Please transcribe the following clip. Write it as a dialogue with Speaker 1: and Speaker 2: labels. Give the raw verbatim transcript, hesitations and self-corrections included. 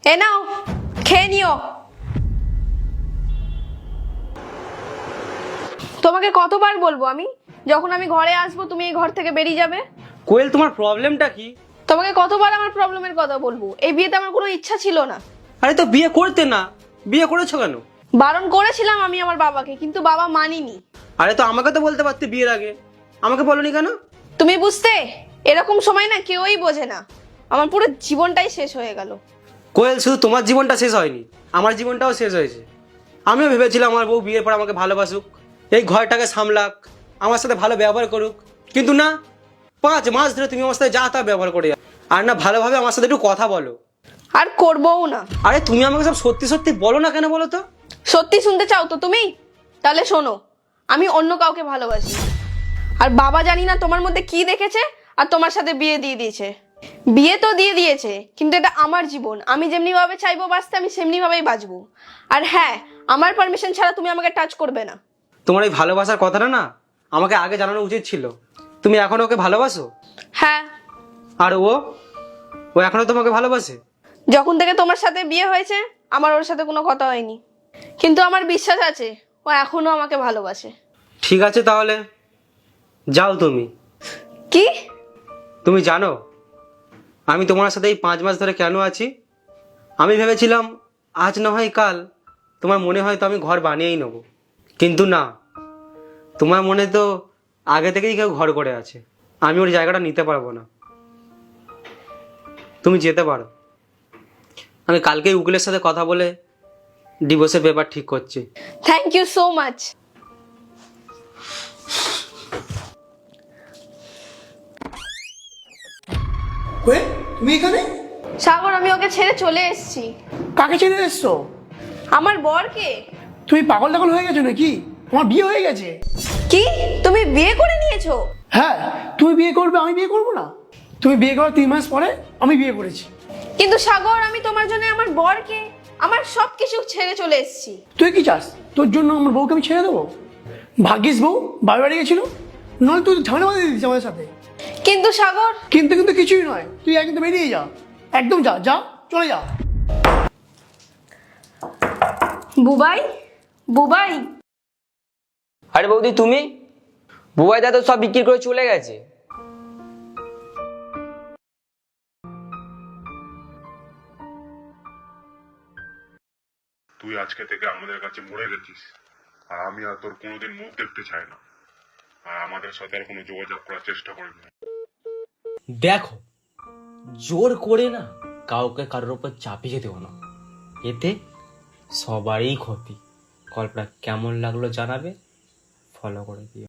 Speaker 1: এ নাও খেয়ে নিও। তোমাকে কতবার বলবো আমি, যখন আমি ঘরে আসবো তুমি এই ঘর থেকে বেরিয়ে যাবে।
Speaker 2: কোয়েল, তোমার প্রবলেমটা কি?
Speaker 1: তোমাকে কতবার আমার প্রবলেমের কথা বলবো? এই বিয়েতে আমার কোনো ইচ্ছা ছিল না।
Speaker 2: আরে তো বিয়ে করতে না, বিয়ে করেছো কেন?
Speaker 1: বারণ করেছিলাম আমি আমার বাবাকে, কিন্তু বাবা মানিনি।
Speaker 2: আরে তো আমাকে তো বলতে পারতে বিয়ের আগে, আমাকে বলনি কেন?
Speaker 1: তুমি বুঝতে, এরকম সময় না কেউই বোঝে না। আমার পুরো জীবনটাই শেষ হয়ে গেল।
Speaker 2: কোয়েল, শুধু তোমার জীবনটা শেষ হয়নি, আমার জীবনটাও শেষ হয়েছে। আমিও ভেবেছিলাম আমার বউ বিয়ের পর আমাকে ভালোবাসুক, এই ঘরটাকে সামলাক, আমার সাথে ভালো ব্যবহার করুক, কিন্তু না, পাঁচ মাস ধরে তুমি আমার সাথে যা তা ব্যবহার করে যাও। আর না ভালোভাবে আমার সাথে একটু কথা বলো।
Speaker 1: আর করবও না।
Speaker 2: আরে তুমি আমাকে সব সত্যি সত্যি বলো না কেন বলো তো?
Speaker 1: সত্যি শুনতে চাও তো তুমি? তাহলে শোনো, আমি অন্য কাউকে ভালোবাসি। আর বাবা জানি না তোমার মধ্যে কি দেখেছে আর তোমার সাথে বিয়ে দিয়ে দিয়েছে। বিয়ে তো দিয়ে দিয়েছে, কিন্তু এটা আমার জীবন, আমি যেমনি ভাবে চাইবো বাঁচতে আমি সেমনি ভাবেই বাঁচবো। আর হ্যাঁ, আমার পারমিশন ছাড়া তুমি আমাকে টাচ করবে না।
Speaker 2: তোমার এই ভালোবাসার কথাটা না আমাকে আগে জানানো উচিত ছিল। তুমি এখনো ওকে ভালোবাসো?
Speaker 1: হ্যাঁ।
Speaker 2: আর ও ও এখনো তোমাকে ভালোবাসে?
Speaker 1: যখন থেকে তোমার সাথে বিয়ে হয়েছে আমার ওর সাথে কোনো কথা হয়নি, কিন্তু আমার বিশ্বাস আছে ও এখনো আমাকে ভালোবাসে।
Speaker 2: ঠিক আছে তাহলে যাও তুমি।
Speaker 1: কি?
Speaker 2: তুমি জানো আমি তোমার সাথে এই পাঁচ মাস ধরে কেন আছি? আমি ভেবেছিলাম আজ না হয় কাল তোমার মনে হয় তো আমি ঘর বানিয়েই নেব, কিন্তু না, তোমার মনে তো আগে থেকেই কেউ ঘর করে আছে। আমি ওর জায়গাটা নিতে পারবো না, তুমি যেতে পারো। আমি কালকেই উকিলের সাথে কথা বলে ডিভোর্সের পেপার ঠিক করছি।
Speaker 1: Thank you so much.
Speaker 3: ওয়ে, তুমি এখানে?
Speaker 1: সাগর, আমি ওকে ছেড়ে চলে এসেছি।
Speaker 3: কাকে ছেড়ে এসছো?
Speaker 1: আমার বরকে।
Speaker 3: তুমি পাগল টাগল হয়ে গেছো নাকি? তোমার বিয়ে হয়ে গেছে।
Speaker 1: কি? তুমি বিয়ে করে নিয়েছো?
Speaker 3: হ্যাঁ, তুমি বিয়ে করবে, আমি বিয়ে করবো না? তুমি বিয়ে করার তিন মাস পরে আমি বিয়ে করেছি।
Speaker 1: কিন্তু সাগর, আমি তোমার জন্য আমার বরকে, আমার সব কিছু ছেড়ে চলে এসেছি।
Speaker 3: তুই কি চাস তোর জন্য আমার বউকে আমি ছেড়ে দেবো? ভাগ্যিস বউ বাড়ি বাড়ি গেছিল, নয় তুই ঝামেলা বাঁধিয়ে দিচ্ছিস আমাদের সাথে।
Speaker 1: কিন্তু সাগর।
Speaker 3: কিন্তু কিন্তু কিছুই নয়, তুই একদম বেরিয়ে যা, একদম যা যা, চলে যা।
Speaker 1: বুবাই, বুবাই।
Speaker 4: আরে বৌদি, তুমি? বুবাই দা তো সব বিক্রি করে চলে গেছে।
Speaker 5: তুই আজকে থেকে আমাদের কাছে মরে গেছিস, আর আমি আর তোর কোনোদিন মুখ দেখতে চাই না, আর আমাদের সাথে আর কোনো যোগাযোগ করার চেষ্টা করবি না।
Speaker 6: দেখো, জোর করে না কাউকে কারোর উপর চাপিয়ে দেবো না, এতে সবারই ক্ষতি। গল্পটা কেমন লাগলো জানাবে, ফলো করে দিও।